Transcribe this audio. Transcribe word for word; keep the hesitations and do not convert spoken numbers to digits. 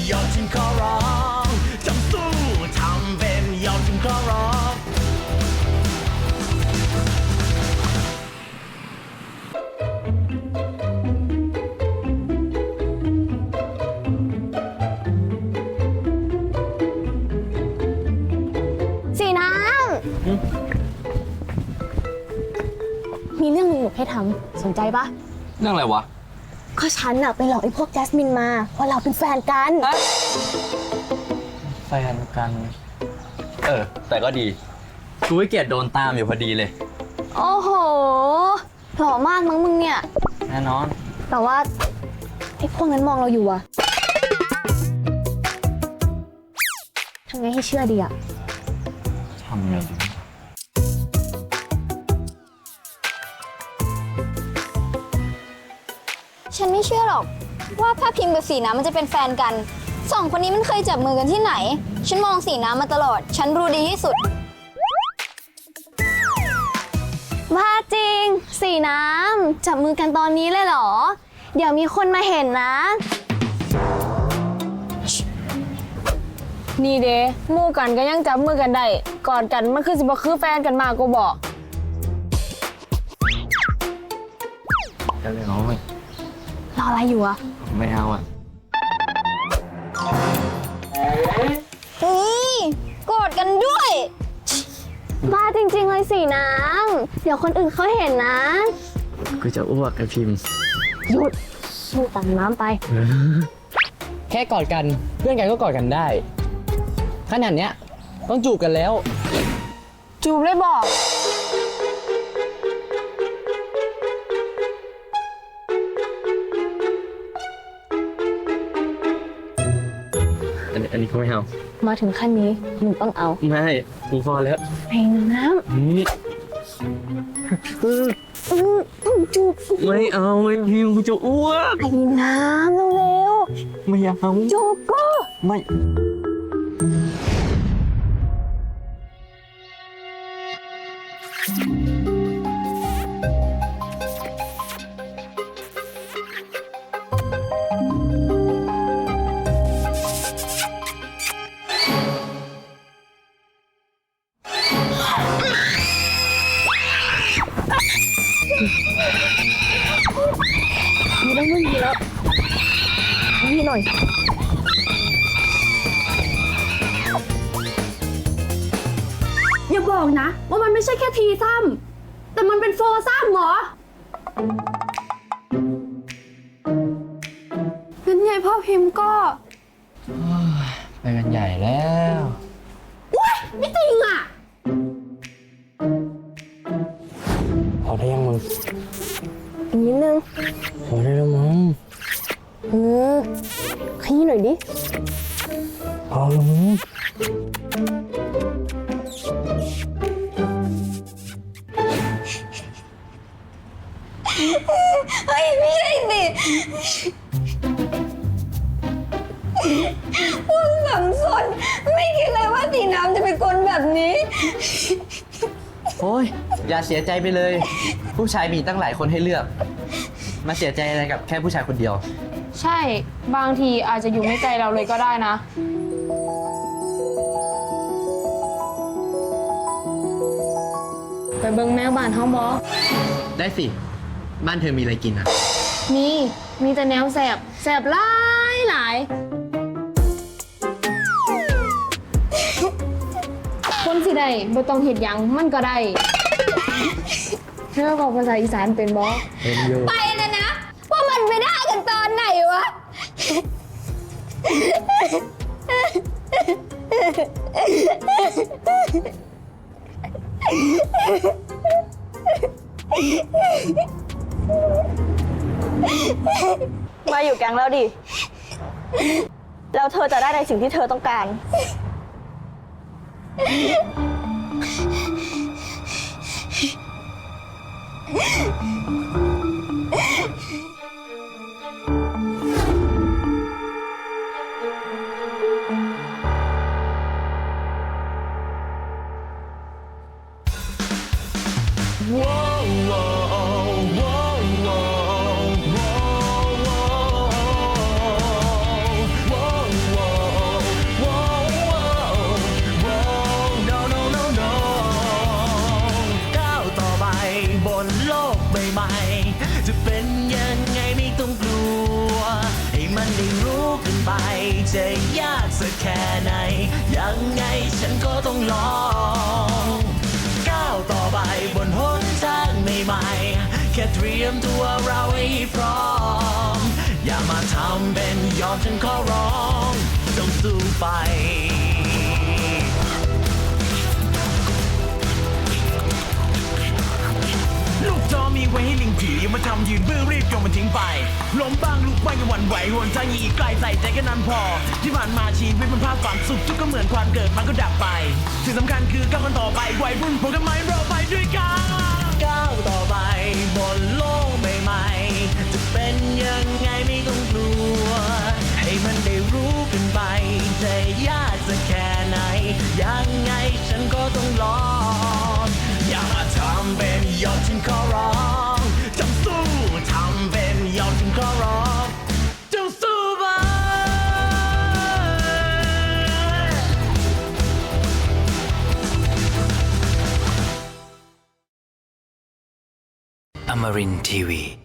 ยอดฉันขอร้องจงสู้ทำเป็นยอดฉันขอร้องสีน้ำมีเรื่องหนึ่งหนูให้ทำสนใจปะเรื่องอะไรวะก็ฉันอะไปหลอกไอ้พวกแจสมินมาว่าเราเป็นแฟนกันแฟนกันเออแต่ก็ดีกูไม่เกลียดโดนตามอยู่พอดีเลยโอ้โหหล่อมากมั้งมึงเนี่ยแน่นอนแต่ว่าไอ้พวกนั้นมองเราอยู่อะทำไงให้เชื่อดีอะทำไงดีฉันไม่เชื่อหรอกว่าพระพิมพ์กับสีน้ำมันจะเป็นแฟนกันสองคนนี้มันเคยจับมือกันที่ไหนฉันมองสีน้ำมาตลอดฉันรู้ดีที่สุดว่าจริงสีน้ำจับมือกันตอนนี้เลยเหรอเดี๋ยวมีคนมาเห็นนะนี่เด้หมู่กันก็ยังจับมือกันได้กอดกันมันคือสิบ่คือแฟนกันมากกูบอกจะเลยน้อยรออะไรอยู่อะไม่เอาอ่ะเฮ้ยกอดกันด้วยบ้าจริงๆเลยสีน้ำเดี๋ยวคนอื่นเขาเห็นนะกูจะอ้วกไอ้พิมพ์หยุดสู้ตังน้ำไปแค่กอดกันเพื่อนกันก็กอดกันได้ขนาดเนี้ยต้องจูบกันแล้วจูบเลยบอกอันนี้อันนี้ก็ไม่เอามาถึงขั้นนี้หนูต้องเอาไม่กูพอแล้วเพลงน้ำนี่จูบไม่เอาไอ้พิมพ์กูจะอ้วกไอ้น้ำเร็วๆไม่เอาจูบก็ไม่มีแล้วมึงมีแล้วนี่หน่อยอย่าบอกนะว่ามันไม่ใช่แค่ทีซ้ำแต่มันเป็นโฟซ้ำเหรองั้นยายพ่อพิมพ์ก็ไปกันใหญ่แล้วว้ายไม่จริงอ่ะพอได้ยังมึงอีกนิดนึงพอได้แล้วมั้งเออขยี้หน่อยดิพอแล้วมั้งเฮ้ยไม่ใช่สิพวกสังสนไม่คิดเลยว่าสีน้ำจะเป็นคนแบบนี้โอ้ยอย่าเสียใจไปเลยผู้ชายมีตั้งหลายคนให้เลือกมาเสียใจอะไรกับแค่ผู้ชายคนเดียวใช่บางทีอาจจะอยู่ไม่ใจเราเลยก็ได้นะไปเบิ่งแมวบ้านเฮาบ่ได้สิบ้านเธอมีอะไรกินอ่ะมีมีแต่แนวแสบแสบหลายหลายคนสิได้บ่ต้องเฮ็ดหยังมันก็ได้เธอบอกภาษาอีสานเป็นบ่เป็นอยู่ไปนะนะว่ามันไปได้กันตอนไหนวะมาอยู่แก๊งแล้วดิแล้วเธอจะได้ในสิ่งที่เธอต้องการได้รู้กันไปจะยากสักแค่ไหน ยังไงฉันก็ต้องลองก้าวต่อไปบนหนทางใหม่ๆแค่เตรียมตัวเราให้พร้อมอย่ามาทำเป็นยอมฉันขอร้องต้องสู้ไปลูกจอมีไว้ให้ลิงผีอย่ามาทำยืนบื้อรีบโยนมันทิ้งไปล้มบ้างลุกบ้างอย่าหวั่นไหวหวนทางอีกไกลใส่ใจแค่นั้นพอ ที่ผ่านมาชีวิตมันภาพฝันสุขทุกข์ก็เหมือนความเกิดมันก็ดับไปสิ่งสำคัญคือก้าวกันต่อไปวัยรุ่นพวกกันไหมเราไปด้วยกันก้าวต่อไปบนโลกใหม่ๆจะเป็นยังไงไม่ต้องกลัวให้มันได้รู้กันไปจะยากจะแค่ไหนยังไงฉันก็ต้องลองอย่ามาทำเป็นยอมฉันขอร้องจงสู้ทำเป็นยอมฉันขอร้องจงสู้ไป Amarin Tiwi.